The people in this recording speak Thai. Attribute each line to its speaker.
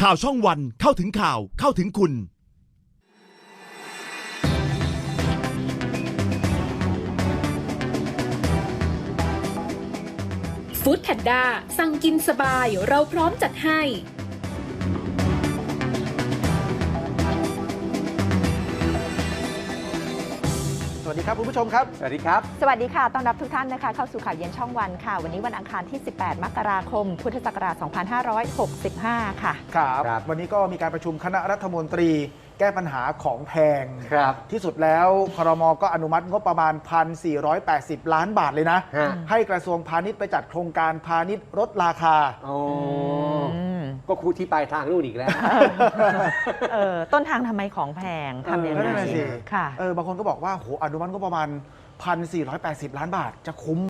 Speaker 1: ข่าวช่องวันเข้าถึงข่าวเข้าถึงคุณ
Speaker 2: ฟู้ดแพนด้าสั่งกินสบายเราพร้อมจัดให้
Speaker 3: สวัสดีครับคุณผู้ชมครับสวัสดีครับ
Speaker 4: สวัสดีค่ะต้อนรับทุกท่านนะคะเข้าสู่ข่าวเย็นช่องวันค่ะวันนี้วันอังคารที่18มกราคมพุทธศักราช2565ค่ะ
Speaker 3: ครับวันนี้ก็มีการประชุมคณะรัฐมนตรีแก้ปัญหาของแพงที่สุดแล้วครม.ก็อนุมัติงบประมาณ 1,480 ล้านบาทเลยนะให้กระทรวงพาณิชย์ไปจัดโครงการพาณิชย์ลดราคา
Speaker 5: ก็คูที่ปลายทางนู่นอีกแล้ว
Speaker 4: ต้นทางทำไมของแพงทำยังไง
Speaker 3: ค่ะ
Speaker 4: บ
Speaker 3: างคนก็บอกว่าโหอนุมัติงบประมาณ 1,480 ล้านบาทจะคุ้ม